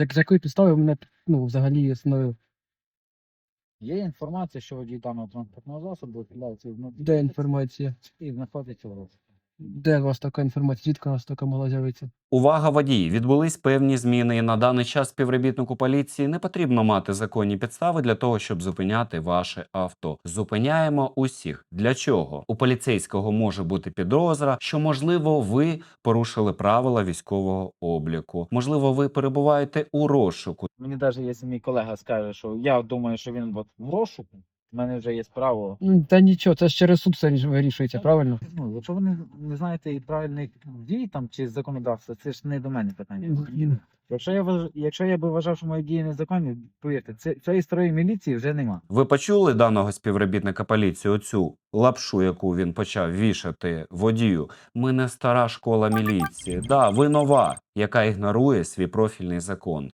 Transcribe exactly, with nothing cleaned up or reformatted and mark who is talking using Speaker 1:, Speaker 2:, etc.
Speaker 1: Так з якої підстави мене, ну, взагалі остановив?
Speaker 2: Є інформація, що водій даного транспортного засобу ухиляється від
Speaker 1: Де
Speaker 2: мобілізації
Speaker 1: інформація?
Speaker 2: і знаходиться в розшуку.
Speaker 1: Де у вас така інформація? Звідки у нас така могла з'явитися?
Speaker 3: Увага, водії! Відбулись певні зміни, і на даний час співробітнику поліції не потрібно мати законні підстави для того, щоб зупиняти ваше авто. Зупиняємо усіх. Для чого? У поліцейського може бути підозра, що, можливо, ви порушили правила військового обліку. Можливо, ви перебуваєте у розшуку.
Speaker 2: Мені навіть якщо мій колега скаже, що я думаю, що він от в розшуку, в мене вже є право.
Speaker 1: Ну, та нічого, це ж через суд все ріш- вирішується, правильно?
Speaker 2: Ну, якщо ви не, не знаєте і правильних дій там чи законодавства, це ж не до мене питання.
Speaker 1: Блін.
Speaker 2: Якщо я вваж... якщо я би вважав, що мої дії незаконні, повірте, це цієї старої міліції вже нема.
Speaker 3: Ви почули даного співробітника поліції, оцю лапшу, яку він почав вішати водію? Ми не стара школа міліції. Да, ви нова, яка ігнорує свій профільний закон.